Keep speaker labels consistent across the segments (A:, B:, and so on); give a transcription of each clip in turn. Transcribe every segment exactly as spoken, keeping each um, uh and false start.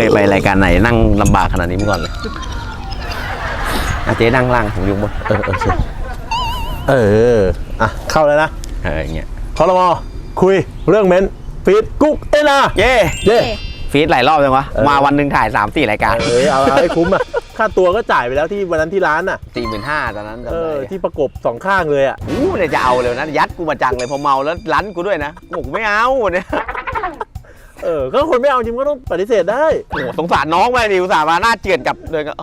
A: ไปรายการไหนนั่งลำบากขนาดนี้มาก่อนเลยอาเจ๊นั่งล่างผมอยู่บนเออโอเค
B: เอออ่ะเข้าเลยนะ
A: เอออย่างเงี้ย
B: คอรมอคุยเรื่องเม้นฟีดกุ๊กเอ็นอา
A: เย่
B: เย่
A: ฟีดหลายรอบจังวะมาวันหนึ่งถ่าย สามสี่ รายการ
B: เออเอาให้คุ้มอ่ะค่าตัวก็จ่ายไปแล้วที่วันนั้นที่ร้านอ่ะ
A: สี่หมื่นห้าพัน ตอนนั้น
B: เออที่ประกบสองข้างเลยอ่ะ
A: อู้เนี่ยจะเอาเลยนะยัดกูมาจังเลยพอเมาแล้วรั้นกูด้วยนะบอกไม่เอาเนี่ย
B: เออก็คนไม่เอาจริงก็ต้องปฏิเสธได้
A: โอ้สงสารน้องไปดิอุตส่าห์มาหน้าเจือนกับเลยก็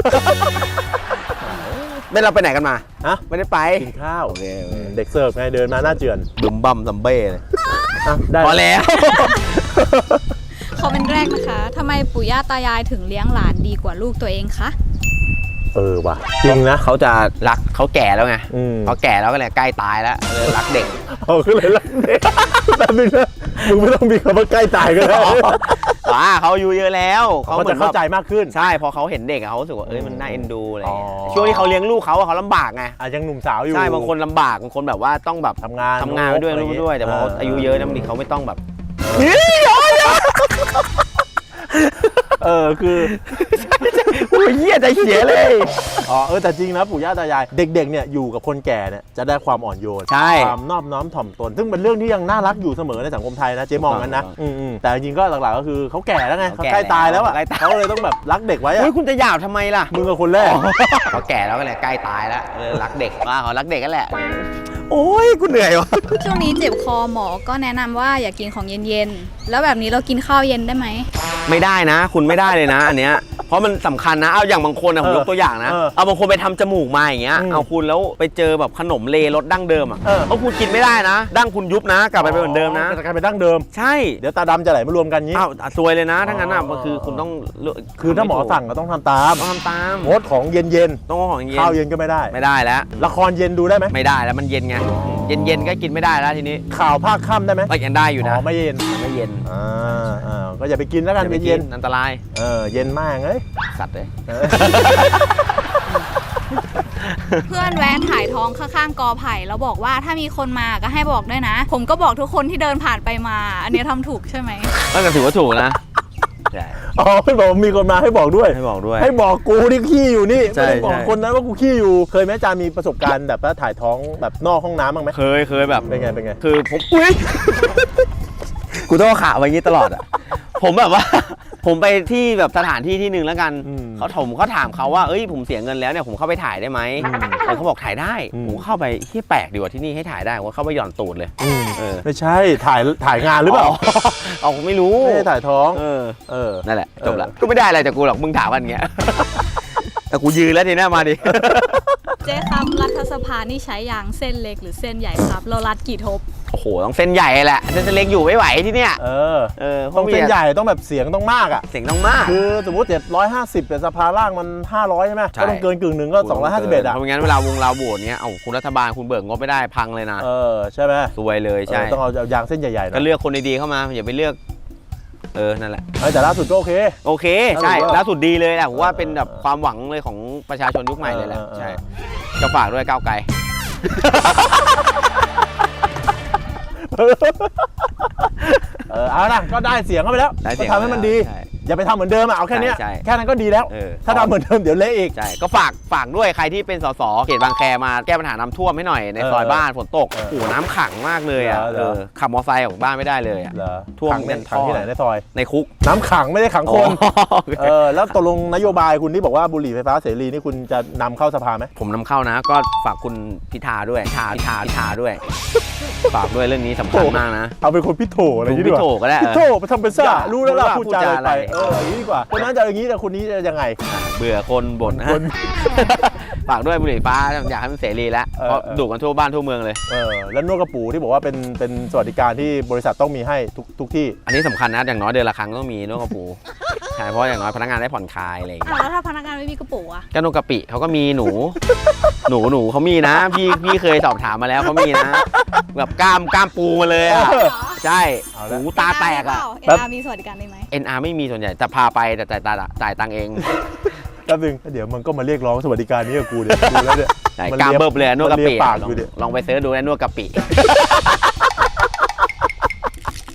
A: ไม่เราไปไหนกันมา
B: ฮะ
A: ไม่ได้ไป
B: กินข้าวเด็กเสิร์ฟไงเดินมาหน้าเจือน
A: ดุมบัมซัมเบ้เลยพอแล้ว
C: คอมเมนต์แรกนะคะทำไมปู่ย่าตายายถึงเลี้ยงหลานดีกว่าลูกตัวเองคะ
B: เออว่ะจริงนะ
A: เขาจะรักเขาแก่แล้วไงเขาแก่แล้วก็เลยใกล้ตายแล้วเลยรักเด็ก
B: เขาก็เลยรักเด็กแบบนึงนะมึงไม่ต้องมีคำว่าใกล้ตายก็ได้
A: ว้าเขาอายุเยอะแล้ว
B: เขาจะเข้าใจมากขึ้น
A: ใช่พอเขาเห็นเด็กเขารู้สึกว่าเอ้ยมันน่าเอ็นดูอะไรช่วงที่เขาเลี้ยงลูกเขาเขาลำบากไง
B: อ่ะยังหนุ่มสาวอยู่
A: ใช่บางคนลำบากบางคนแบบว่าต้องแบบ
B: ทำงาน
A: ทำงานไปด้วยลูกด้วยแต่พออายุเยอะนะบางทีเขาไม่ต้องแบบ
B: เออคือ
A: โอ้ยเหี้ยใจเสียเลย
B: อ๋อเออแต่จริงนะปู่ย่าตายายเด็กๆเนี่ยอยู่กับคนแก่เนี่ยจะได้ความอ่อนโยนความนอบน้อมถ่อมตนซึ่งเป็นเรื่องที่ยังน่ารักอยู่เสมอในสังคมไทยนะเจ๊มองกันนะแต่จริงๆก็หลักๆก็คือเขาแก่แล้วไงเขาใกล้ตายแล้วอ่ะเขาเลยต้องแบบรักเด็กไว้อะ
A: เฮ้ยคุณจะหยาบทำไมล่ะ
B: มึงกับคนแรก
A: เขาแก่แล้วก็เลยใกล้ตายแล้วเลยรักเด็กว่าเขารักเด็กกันแหละโอ้ยกูเหนื่อยวะ
C: ช่วงนี้เจ็บคอหมอก็แนะนำว่าอย่ากินของเย็นๆแล้วแบบนี้เรากินข้าวเย็นได้ไหม
A: ไม่ได้นะคุณไม่ได้เลยนะอันเนี้ยเพราะมันสำคัญนะเอาอย่างบางคนนะผมยกตัวอย่างนะเอาบางคนไปทำจมูกมาอย่างเงี้ยเอาคุณแล้วไปเจอแบบขนมเลรสดั้งเดิมอ่ะเอาคุณกินไม่ได้นะดั้งคุณยุบนะกลับไปเป็นเหมือนเดิมนะ
B: จะกลายเป็นดั้งเดิม
A: ใช่
B: เดี๋ยวตาดำจะไหลมารวมกันงี้
A: อ้าวซวยเลยนะทั้งนั้นอ่ะมันคือคุณต้อง
B: คือถ้าหมอสั่งก็ต้องทำตาม
A: ต้องทำตาม
B: งดของเย็น
A: ๆต้องของเย็น
B: ข้าวเย็นก็ไม่ได้
A: ไม่ได้แล้ว
B: ละครเย็นดูได้ไหม
A: ไม่ได้แล้วมันเย็นไงเย็นๆก็กินไม่ได้แล้วทีนี้
B: ข่าวภาคค่ำได้ไหม
A: ก็ยังได้อยู่นะ
B: ไม่เย็น
A: ไม่เย็น
B: อ่าอ่าก็อย่าไปกินแล้วกันเย็น
A: อันตราย
B: เออเย็นมากเอ้ย
A: สัตว์เลย
C: เพื่อนแวะถ่ายท้องข้างๆกอไผ่แล้วบอกว่าถ้ามีคนมาก็ให้บอกด้วยนะผมก็บอกทุกคนที่เดินผ่านไปมาอันนี้ทำถูกใช่ไหม
A: ก็ถือว่าถูกนะใช่
B: อ๋อให้บอกมีคนมาให้บอกด้วย
A: ให้บอกด้วย
B: ให้บอกกูที่ขี้อยู่นี่ไม่ได้บอกคนนั้นว่ากูขี้อยู่เคยไหมจามีประสบการณ์แบบว่าถ่ายท้องแบบนอกห้องน้ำบ้างไหม
A: เคยเคยแบบ
B: เป็นไงเป็นไง
A: คือผมอุ้ยกูต้องขาไว้งี้ตลอดอ่ะผมแบบว่าผมไปที่แบบสถานที่ที่หนึ่งแล้วกันเขาผมเขาถามเขาว่าเอ้ยผมเสียเงินแล้วเนี่ยผมเข้าไปถ่ายได้ไหมเขาบอกถ่ายได้ผมเข้าไปที่แปลกดีกว่าที่นี่ให้ถ่ายได้ผมเข้าไปหย่อนตูดเลย
B: ไม่ใช่ถ่ายถ่ายงานหรือเปล่า
A: เอาผมไม่รู้
B: ไม่ได้ถ่ายท้อง
A: เออเออนั่นแหละจบละก็ไม่ได้อะไรจากกูหรอกมึงถามมันเงี้ยแต่กูยืนแล้วทีนี้มาดิ
C: เจ๊ครับรัฐสภานี่ใช้ยางเส้นเล็กหรือเส้นใหญ่ครับเรารัดกี่ทบ
A: โอ้โหต้องเส้นใหญ่แหละเส้นเล็กอยู่ไม่ไหวที่เนี้ย
B: เออเออต้องเส้นใหญ่ต้องแบบเสียงต้องมากอ่ะ
A: เสียงต้องมาก
B: คือสมมติเจ็ดร้อยห้าสิบแต่สภาล่างมันห้าร้อยใช่ไหมก็ต้องเกินกึ่งหนึ่งก็สองร้อยห้าสิบเอ็ดอ่ะ
A: เพราะงั้นเวลาวงเราโบสเนี้ยเอาคุณรัฐบาลคุณเบิกงบไม่ได้พังเลยนะ
B: เออใช่ไหม
A: ซวยเลยใช่
B: ต้องเอายางเส้นใหญ่ๆ
A: ก็เลือกคนดีๆเข้ามาอย่าไปเลือกเออนั่นแหละ
B: แต่ล่าสุดก็โอเค
A: โอเคใช่ล่าสุดดีเลยแหละผมว่าเป็นแบบความหวังเลยของประชาชนยุคใหม่เลยแหละใช่จะฝากด้วยก้าวไกล
B: เออเอานะก็ได้เสียงเข้าไปแล้วก็ทำให้มันดีอย่าไปทำเหมือนเดิมอ่ะเอาแค่นี้แค่นั้นก็ดีแล้วถ้าทำเหมือนเดิมเดี๋ยวเละอีก
A: ใช่ก็ฝากฝากด้วยใครที่เป็นสสเขตบางแคมาแก้ปัญหาน้ำท่วมให้หน่อยในซอยบ้านฝนตกโอ้โหน้ำขังมากเลยอ่ะขับมอเตอร์ไซค์ออกบ้านไม่ได้เลยอ่ะ
B: ท่วมเป็นขังที่ไหนในซอย
A: ในคุก
B: น้ำขังไม่ได้ขังคนเออแล้วตกลงนโยบายคุณที่บอกว่าบุหรี่ไฟฟ้าเสรีนี่คุณจะนำเข้าสภาไหม
A: ผมนำเข้านะก็ฝากคุณพิธาด้วยพิธาพิธาพิธาด้วยฝากด้วยเรื่องนี้สำคัญมากนะ
B: เอาเป็นคนพิโถอะไรอย่างนี้ดีกว่า
A: พิโถก็ได้
B: พิโถไปทำเป็นซ่ารู้แล้วล่ะพูดจาอะไรเอออย่างนี้ดีกว่าคนนั้นจะอย่างนี้แต่คนนี้จะยังไง
A: เบื่อคนบ่นนะฝากด้วยบุหรี่ไฟฟ้าอยากให้มันเสรีแล้วเพราะดูกันทั่วบ้านทั่วเมืองเลย
B: เออแล้วนวดกระปูที่บอกว่าเป็นเป็นสวัสดิการที่บริษัทต้องมีให้ทุกทุกที่
A: อันนี้สำคัญนะอย่างน้อยเดือนละครั้งต้องมีนวดกระปูใช่เพราะอย่างน้อยพนักงานได้ผ่อนคลายอะไรอย่างเงี้ย
C: แล้วถ้าพนักงานไม่มีกระปูอะ
A: ก็นวดกระปิเขาก็มีหนูหนูหนูเขามีนะพี่พี่เคยสอบถามมาแล้วเขามีนะแบบกล้ามกล้ามปูมาเลยอ่ะใช่หูตาแตกอ่ะ
C: เอ็นอาร์มีสวัสดิการได้ไหม
A: เอ็นอาร์ไม่มีส่วนใหญ่จะพาไปแต่จ่ายตาจ่ายตังเอง
B: แป๊บนึงเดี๋ยวมันก็มาเรียกร้องสวัสดิการนี้กับกูเดี๋ยวดูแล้วเนี่ย
A: กล้ามเบิบเลยนวดกระปิลองไปเสิร์ชดูนวดกระปิ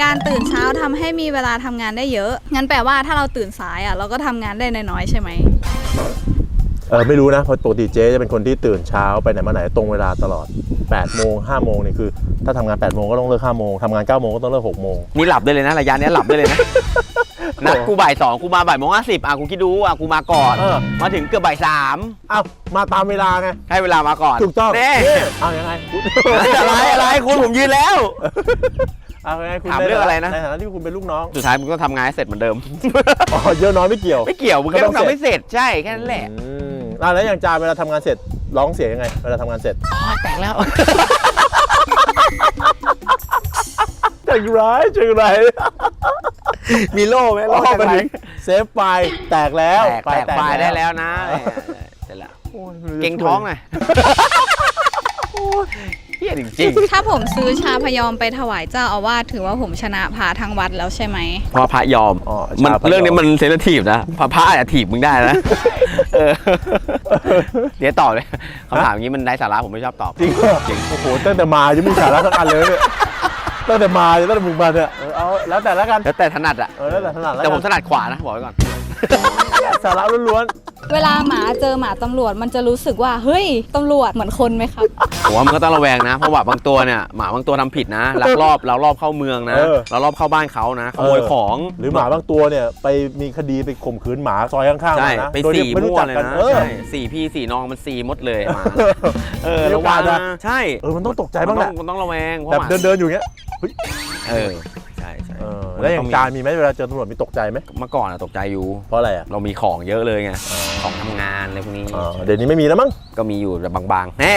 C: การตื่นเช้าทำให้มีเวลาทำงานได้เยอะงั้นแปลว่าถ้าเราตื่นสายอ่ะเราก็ทำงานได้น้อยๆใช่ไหม
B: เออไม่รู้นะเพราะปกติเจ๊จะเป็นคนที่ตื่นเช้าไปไหนมาไหนตรงเวลาตลอดแปดโมงห้าโมงนี่คือถ้าทำงานแปดโมงก็ต้องเลิกห้าโมงทำงานเก้าโมงก็ต้องเลิกหกโมง
A: นี่หลับได้เลยนะระยะนี้หลับได้เลยนะนัดกูบ่ายสองกูมาบ่ายโมงห้าสิบอ่ะกูคิดดูอ่ะกูมาก่อนมาถึงเกือบบ่ายสาม
B: อ้าวมาตามเวลาไง
A: ให้เวลามาก่อน
B: ถูกต้อง
A: เน่
B: เอายังไง
A: อะไรอะไรคุณผมยืนแล้ว
B: เอาไงคุณ
A: ถามเรื่องอะไรนะ
B: ในฐานะที่คุณเป็นลูกน้อง
A: สุดท้ายมึงก็ทำงานให้เสร็จเหมือนเดิม
B: อ๋อเยอะน้อยไม่เกี่ยว
A: ไม่เกี่ยวมึงแค่ต้องทำให้เสร็จใช่แค่นั้นแหละ
B: แล้วอย่างจาเวลาทำงานเสร็จร้องเสียงยังไงเวลาทำงานเสร็จ
A: แตกแล้ว
B: จังไรจังไร
A: มีโล่ไหมโล่
B: จังไรเซฟไฟแตกแล้ว
A: แตกไฟได้แล้วนะเสร็จแล้วเก่งท้องไงเฮียจริง
C: ๆถ้าผมซื้อชาพยอมไปถวายเจ้าอาวาสถือว่าผมชนะพระทั้งวัดแล้วใช่ไหม
A: เพราะพระยอมมันเรื่องนี้มันเซนซิทีฟนะพระพระอาจจะถีบมึงได้นะเดี๋ยวตอบเลยคำถามอย่างนี้มันได้สาระผมไม่ชอบตอบ
B: จริงจริงโอ้โหตั้งแต่มายังมีสาระสักอันเลยเนี่ยตั้งแต่มาตั้งแต่มึงมาเนี่ยเอาแล้วแต่ละกัน
A: แล้วแต่ถนัดอ่ะ
B: เออแล้วแต่ถนัด
A: แต่ผมถนัดขวานะบอกไว้ก่อน
B: สาระล้วน
C: ๆเวลาหมาเจอหมาตำรวจมันจะรู้สึกว่าเฮ้ยตำรวจเหมือนคนไหมครับ
A: ผมว่ามันก็ต้องระแวงนะเพราะว่าบางตัวเนี่ยหมาบางตัวทำผิดนะลักลอบเรารอบเข้าเมืองนะเรารอบเข้าบ้านเขานะขโมยของ
B: หรือหมาบางตัวเนี่ยไปมีคดีไปข่มขืนหมาซอยข้างๆนะ
A: ไปสี่มั่วเลยนะใช่สี่พี่สี่น้องมันสี่มดเลยมาเออระวังนะใช่
B: เออมันต้องตกใจบ้างแหละ
A: มันต้องระแวง
B: แบบเดินๆอยู่เงี้ย
A: เออใช่ใช่
B: แล้วอย่างการมีไหมเวลาเจอตำรวจมีตกใจไหม
A: เมื่อก่อนอะตกใจอยู่
B: เพราะอะไรอะ
A: เรามีของเยอะเลยไงของทำงานอะไรพวกนี้
B: เดี๋ยวนี้ไม่มีแล้วมั้ง
A: ก็มีอยู่แต่บางๆแน่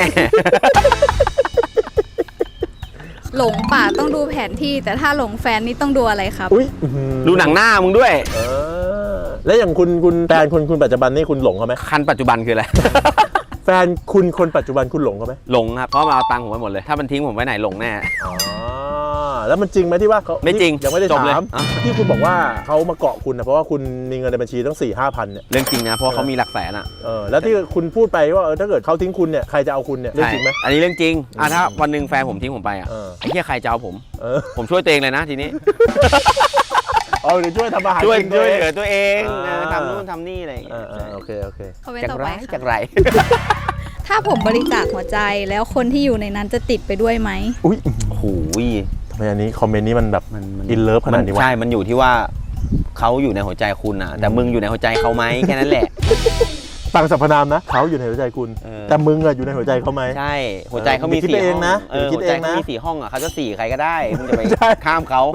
C: หลงป่าต้องดูแผนที่แต่ถ้าหลงแฟนนี่ต้องดูอะไรครับ
A: ดูหนังหน้ามึงด้วย
B: แล้วอย่างคุณคุณแฟนคุณคุณปัจจุบันนี่คุณหลงเขาไหม
A: คันปัจจุบันคืออะไร
B: แฟนคุณคนปัจจุบันคุณหลงเขาไหม
A: หลงครับเพราะมาเอาตังค์ผมไปหมดเลยถ้ามันทิ้งผมไว้ไหนหลงแน่
B: แล้วมันจริงไหมที่ว่าเขา
A: ไม่จริง
B: ยังไม่ได้ถามที่คุณบอกว่าเขามาเกาะคุณนะเพราะว่าคุณมีเงินในบัญชีตั้งสี่ห้าพันเนี่ย
A: เรื่องจริงนะเพราะเขามีหลักแสนอ่ะ
B: เออแล้วที่คุณพูดไปว่าเออถ้าเกิดเขาทิ้งคุณเนี่ยใครจะเอาคุณเนี่ยเรื่องจริงไหม
A: อันนี้เรื่องจริงอ่ะถ้าวันหนึ่งแฟนผมทิ้งผมไปอ่ะไอ้เหี้ยใครจะเอาผมผมช่วยตัวเองเลยนะทีนี้
B: เออเดี๋ยวช่วยทำอาหาร
A: ช่วยช่วยเหลือตัวเองทำนู่นทำนี่อะไรอย่างเงี้ย
B: โอเคโอเค
A: จากไรจากไร
C: ถ้าผมบริจาคหัวใจแล้วคนที่อยู่ในนั้นจะติดไปด้วยไหม
B: อุ้ย
A: โอ้โห
B: ทำไมอันนี้คอมเมนต์นี้มันแบบอินเลิฟขนาดนี้วะ
A: ใช่มันอยู่ที่ว่าเขาอยู่ในหัวใจคุณอ่ะแต่มึงอยู่ในหัวใจเขาไหมแค่นั้นแหละ
B: ต่างสรรพนามนะเขาอยู่ในหัวใจคุณแต่มึงอะอยู่ในหัวใจเขาไหม
A: ใช่หัวใจเขามีสี่ห้องนะหัวใจเขามีสี่ห้องอ่ะเขาจะสี่ใครก็ได้มึงจะไปข้ามเขา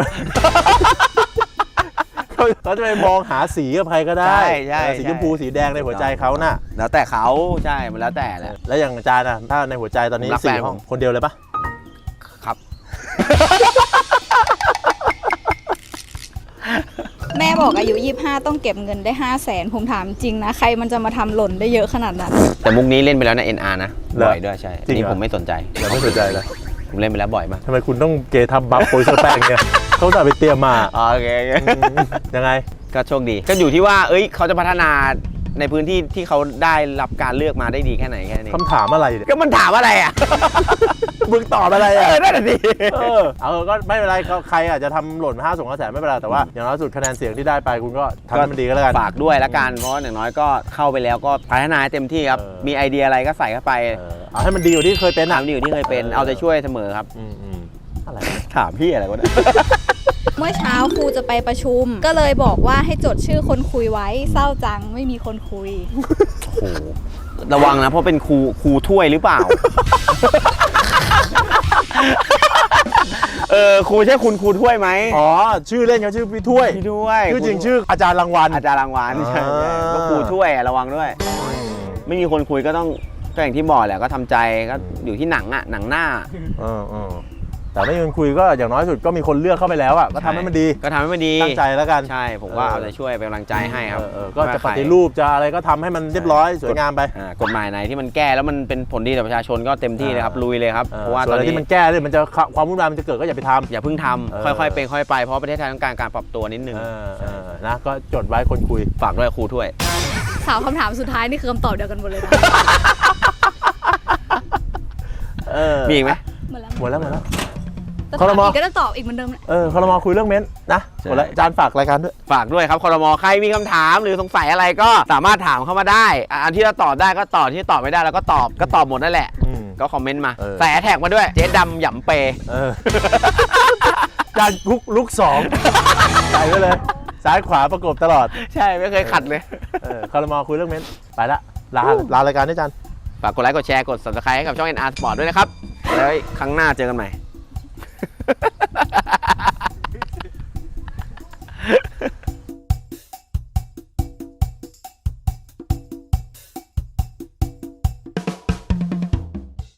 B: เขาจะไปมองหาสีกับใครก็ได้สีชมพูสีแดงในหัวใจเขาน่ะ
A: แล้วแต่เขาใช่มันแล้วแต่แหละ
B: แล้วอย่างอาจารย์อะถ้าในหัวใจตอนนี้สี่ห้องคนเดียวเลยปะ
A: ครับ
C: แม่บอกอายุยี่สิบห้าต้องเก็บเงินได้ห้าแสนผมถามจริงนะใครมันจะมาทำหล่นได้เยอะขนาดนั้น
A: แต่มุกนี้เล่นไปแล้วนะ เอ็น อาร์ นะบ่อยด้วยใช่นี่ผมไม่สนใจ
B: เราไม่สนใจเลย
A: ผมเล่นไปแล้วบ่อยมาก
B: ทำไมคุณต้องเกทับบัฟโปรยเซอร์แป้งเนี่ยเขาจะไปเตรียมมา
A: โอเค
B: ยังไง
A: ก็โชคดีก็อยู่ที่ว่าเอ้ยเขาจะพัฒนาในพื้นที่ที่เขาได้รับการเลือกมาได้ดีแค่ไหนแค่นี้
B: คำถามอะไรเนี่ย
A: ก็มันถามอะไรอ่ะ
B: มึงตอบอะไรอ่ะ
A: นั่นแหละดิ
B: เออเออก็ไม่เป็นไรใครอาจจะทำหล่นมาห้าส่งห้าแสนไม่เป็นไรแต่ว่าอย่างน้อยสุดคะแนนเสียงที่ได้ไปคุณก็ทำให้มันดีก็แล้วกัน
A: ฝากด้วยแล้วกันเพราะอย่างน้อยก็เข้าไปแล้วก็พัฒนาเต็มที่ครับมีไอเดียอะไรก็ใส่เข้าไป
B: เอาให้มันดีกว่าที่เคยเป็น
A: อ่ะดีกว่าที่เคยเป็นเอาใจช่วยเสมอครับอะไรถามพี่อะไรวะเนี่ย
C: เมื่อเช้าครูจะไปประชุมก็เลยบอกว่าให้จดชื่อคนคุยไว้เศร้าจังไม่มีคนคุย
A: โอ้โหระวังนะเพราะเป็นครูครูถ้วยหรือเปล่าเออครูใช่คุณครูถ้วยไหม
B: อ๋อชื่อเล่นเขาชื่อพี่ถ้วย
A: พี่ถ้วย
B: ชื่อจริงชื่ออาจารย์รางวัล
A: อาจารย์รางวัลใช่ก็ครูถ้วยระวังด้วยไม่มีคนคุยก็ต้องก็อย่างที่บอกแหละก็ทำใจก็อยู่ที่หนังอ่ะหนังหน้า
B: เออเออแต่ไม่มีคนคุยก็อย่างน้อยสุดก็มีคนเลือกเข้าไปแล้วอ่ะก็ทำให้มันดี
A: ก็ทำให้มันดี
B: ตั้งใจแล้วกัน
A: ใช่ผมว่าเอาใจช่วยเป็นกำลังใจให้ครับ
B: ก็จะปฏิรูปจะอะไรก็ทำให้มันเรียบร้อยสวยงามไป
A: กฎหมายไหนที่มันแก้แล้วมันเป็นผลดีต่อประชาชนก็เต็มที่เลยครับลุยเลยครับเพราะว่าตอนนี้
B: ที่มันแก้เลยมันจะความวุ่นวายมันจะเกิดก็อย่าไปทำ
A: อย่าเพิ่งทำค่อยๆเป็นค่อยไปเพราะประเทศไทยต้องการการปรับตัวนิดนึง
B: นะก็จดไว้คนคุย
A: ฝากด้วยครูถ้วย
C: สาวคำถามสุดท้ายนี่คือคำตอบเดียวกันหมดเลยนะ
A: มีอีกไหม
C: หมดแล้วหมดแล้วจะถามอีกก็จะตอบอีกเหมือนเดิมแหละ
B: เออครม.คุยเรื่องเม้นนะหมดแล้วอาจารย์ฝากรายการด้วย
A: ฝากด้วยครับครม.ใครมีคำถามหรือสงสัยอะไรก็สามารถถามเข้ามาได้อันที่เราตอบได้ก็ตอบที่ตอบไม่ได้เราก็ตอบก็ตอบหมดนั่นแหละก็คอมเมนต์มาใส่แท็กมาด้วยเจ๊ดำหย่ำเป
B: เอออาจารย์ลุกลุกสองใส่ไว้เลยซ้ายขวาประกบตลอด
A: ใช่ไม่เคยขัดเลย
B: เออครม.คุยเรื่องเม้นไปละลาลารายการด้วยอาจารย์
A: ฝากกดไลค์กดแชร์กด ซับสไครบ์ ให้กับช่อง เอ็น อาร์ Sport ด้วยนะครับแล้วครั้งหน้าเจอกันใหม่